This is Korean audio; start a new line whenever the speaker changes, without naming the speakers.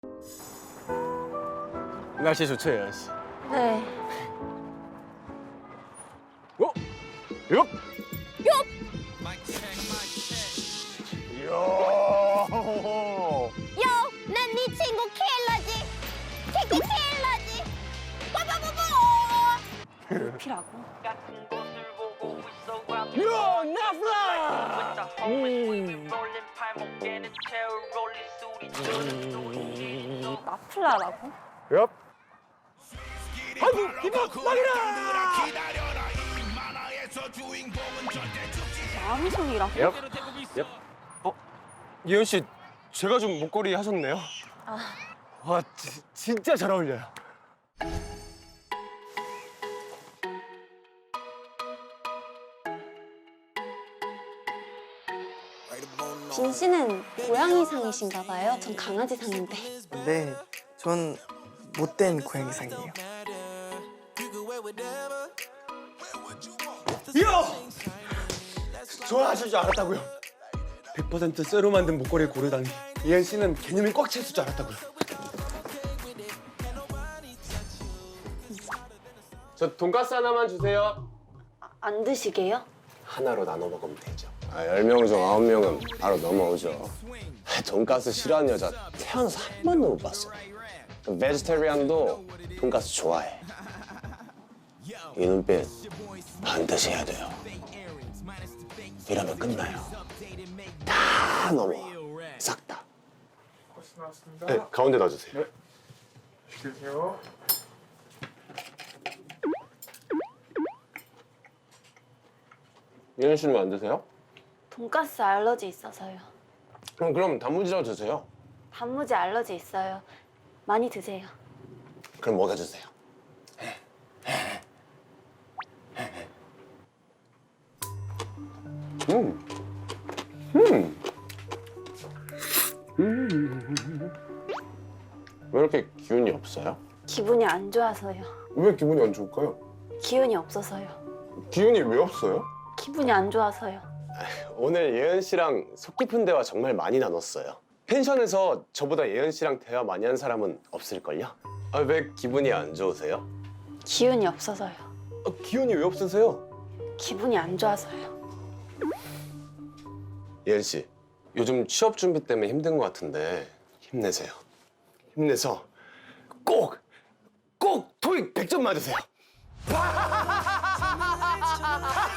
날씨 좋죠, 예은 씨?
네.
어? 요? 이야.
요, 난 네 친구 킬러지. 치킨 킬러지. 뽀뽀뽀뽀. 피라고.
요, 나플라.
마플라라고?
엽. 아이고, 이봐, 막이라.
마음송이라고?
엽. 엽. 예은 씨, 제가 좀 목걸이 하셨네요.
아,
와, 진짜 잘 어울려요.
빈 씨는 고양이상이신가 봐요. 전 강아지상인데.
네, 전 못된 고양이상이에요.
이야! 좋아하실 줄 알았다고요. 100% 쇠로 만든 목걸이를 고르다니. 예은 씨는 개념이 꽉 찼을 줄 알았다고요. 저 돈가스 하나만 주세요.
안 드시게요?
하나로 나눠 먹으면 되죠. 10명 중 9명은 바로 넘어오죠. 돈가스 싫어하는 여자 태어나서 한 번도 못 봤어요. 베지테리안도 돈가스 좋아해. 이 눈빛 반드시 해야 돼요. 이러면 끝나요. 다 넘어가. 싹 다. 네, 가운데 놔주세요.
드세요.
예은 씨는 왜 안 드세요?
돈가스 알러지 있어서요.
그럼 단무지라도 드세요.
단무지 알러지 있어요. 많이 드세요.
그럼 먹여주세요. 왜 이렇게 기운이 없어요?
기분이 안 좋아서요.
왜 기분이 안 좋을까요?
기운이 없어서요.
기운이 왜 없어요?
기분이 안 좋아서요.
오늘 예은 씨랑 속 깊은 대화 정말 많이 나눴어요. 펜션에서 저보다 예은 씨랑 대화 많이 한 사람은 없을걸요? 왜 기분이 안 좋으세요?
기운이 없어서요.
기운이 왜 없으세요?
기분이 안 좋아서요.
예은 씨, 요즘 취업 준비 때문에 힘든 것 같은데 힘내세요. 힘내서 꼭 토익 100점 맞으세요.